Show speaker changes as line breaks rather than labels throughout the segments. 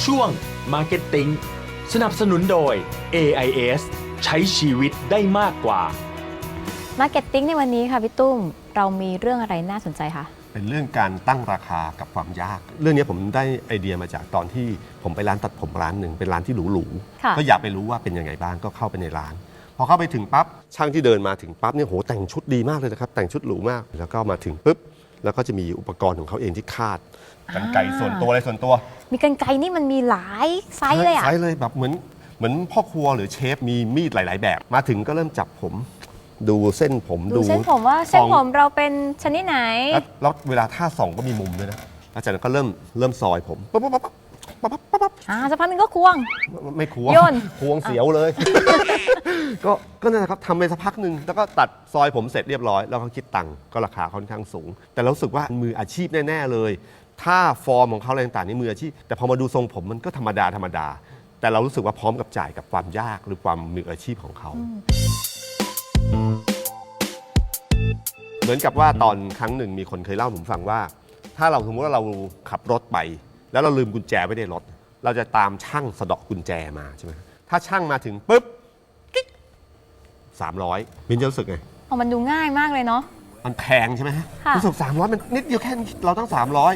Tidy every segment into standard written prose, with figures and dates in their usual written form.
ช่วง Marketing สนับสนุนโดย AIS ใช้ชีวิตได้มากกว่า
Marketing ในวันนี้ค่ะพี่ตุ้มเรามีเรื่องอะไรน่าสนใจคะ
เป็นเรื่องการตั้งราคากับความยาก เรื่องนี้ผมได้ไอเดียมาจากตอนที่ผมไปร้านตัดผมร้านหนึ่งเป็นร้านที่หรูๆก็อยากไปรู้ว่าเป็นยังไงบ้างก็เข้าไปในร้านพอเข้าไปถึงปั๊บช่างที่เดินมาถึงปั๊บเนี่ยโหแต่งชุดดีมากเลยนะครับแต่งชุดหรูมากแล้วก็มาถึงปุ๊บแล้วก็จะมีอุปกรณ์ของเขาเองที่คาดกรรไกรส่วนตัวอะไรส่วนตัว
มีกรรไกรนี่มันมีหลายไซส์เลยอะ
ไซส์เลยแบบเหมือนพ่อครัวหรือเชฟมีมีดหลายๆแบบมาถึงก็เริ่มจับผมดูเส้นผม
ดูเส้นผมว่าเส้นผมเราเป็นชนิดไหน
แล้วเวลาท่าส่องก็มีมุมด้วยนะอาจารย์ก็เริ่มซอยผมปั๊บปั๊บปั๊บปั๊บปั๊บปั๊บ
สักพักนึงก็ควง
ไม่ควง
โยน
ควงเสียวเลย ก็นั่นแหละครับทำไปสักพักหนึ่งแล้วก็ตัดซอยผมเสร็จเรียบร้อยแล้วก็คิดตังค์ก็ราคาค่อนข้างสูง แต่เรารู้สึกว่ามืออาชีพแน่ๆเลยถ้าฟอร์มของเขาอะไรต่างๆนี่มืออาชีพแต่พอมาดูทรงผมมันก็ธรรมดาแต่เรารู้สึกว่าพร้อมกับจ่ายกับความยากหรือความมืออาชีพของเขาเหมือนกับว่าตอนครั้งหนึ่งมีคนเคยเล่าผมฟังว่าถ้าเราสมมติว่าเราขับรถไปแล้วเราลืมกุญแจไว้ในรถเราจะตามช่างสะเดาะกุญแจมาใช่ไหมถ้าช่างมาถึงปุ๊บกิ๊ก300มินจะรู้สึกไง
มันดูง่ายมากเลยเนาะ
มันแพงใช่ไหมฮะ
ค่ะ
รู้สึก300มันนิดเดียวแค่เราต้อง300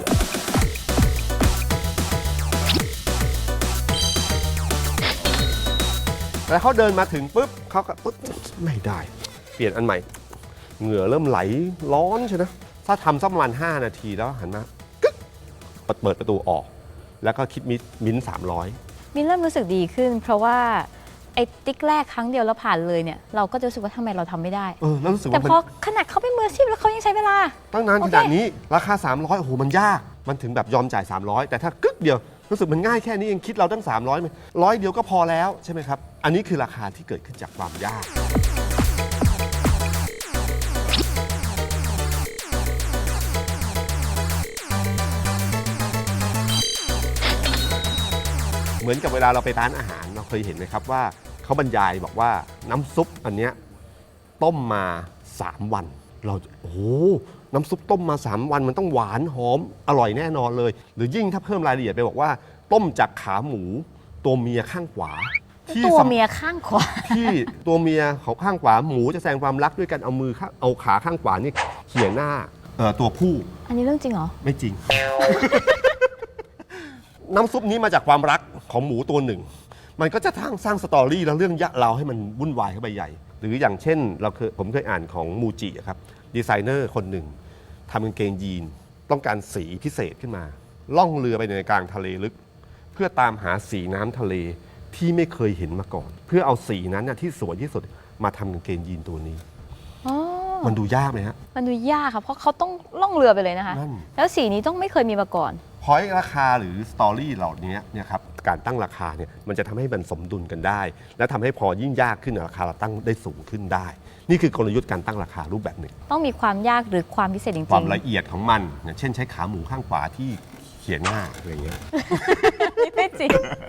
แล้วเขาเดินมาถึงปุ๊บเขาก็ปุ๊บไม่ได้เปลี่ยนอันใหม่เหงื่อเริ่มไหลร้อนใช่ไหมถ้าทำสักประมาณ5 นาทีแล้วหันมากึ๊กเปิดประตูออกแล้วก็คิดมิ้น300
มินเริ่มรู้สึกดีขึ้น เพราะว่าไอ้ติ๊กแรกครั้งเดียวแล้วผ่านเลยเนี่ยเราก็จะรู้สึกว่าทำไมเราทำไม่ได้
แล้วรู้สึก
แต่
ว่า
พอขนาดเขาเป็นมืออาชีพแล้วเขายังใช้เวลา
ตั้งนานขนาดนี้ราคา300โอ้โหมันยากมันถึงแบบยอมจ่าย300แต่ถ้ากึ๊กเดียวรู้สึกมันง่ายแค่นี้เองคิดเราตั้ง300ไหม100เดียวก็พอแล้วใช่ไหมครับอันนี้คือราคาที่เกิดขึ้นจากความยากเหมือนกับเวลาเราไปร้านอาหารเราเคยเห็นไหมครับว่าเขาบรรยายบอกว่าน้ำซุปอันเนี้ยต้มมา3 วันเราโอ้โหน้ำซุปต้มมา3 วันมันต้องหวานหอมอร่อยแน่นอนเลยหรือยิ่งถ้าเพิ่มรายละเอียดไปบอกว่าต้มจากขาหมูตัวเมียข้างขวา
ตัวเมียข้างขวา
ที่ตัวเมียของข้างขวาหมูจะแสดงความรักด้วยการเอาขาข้างขวานี่เขี่ยหน้าตัวผู้
อันนี้เรื่องจริงเหรอ
ไม่จริง น้ำซุปนี้มาจากความรักของหมูตัวหนึ่งมันก็จะสร้างสตอรี่แล้วเรื่องยะเราให้มันวุ่นวายเข้าไปใหญ่หรืออย่างเช่นผมเคยอ่านของมูจิครับดีไซเนอร์คนหนึ่งทำกางเกงยีนต้องการสีพิเศษขึ้นมาล่องเรือไปในกลางทะเลลึกเพื่อตามหาสีน้ำทะเลที่ไม่เคยเห็นมาก่อนเพื่อเอาสีนั้นที่สวยที่สุดมาทำกางเกงยีนตัวนี้มันดูยากไหมฮะ
มันดูยากค่ะเพราะเขาต้องล่องเรือไปเลยนะคะแล้วสีนี้ต้องไม่เคยมีมาก่อน
พอยราคาหรือสตอรี่เหล่านี้เนี่ยครับการตั้งราคาเนี่ยมันจะทำให้มันสมดุลกันได้และทำให้พอยิ่งยากขึ้นราคาเราตั้งได้สูงขึ้นได้นี่คือกลยุทธ์การตั้งราคารูปแบบหนึ่ง
ต้องมีความยากหรือความพิเศษจริงๆ
ความละเอียดของมันอย่างเช่นใช้ขาหมูข้างขวาที่เขียนหน้าอะไรอย่างเงี้ย
ไม่จริง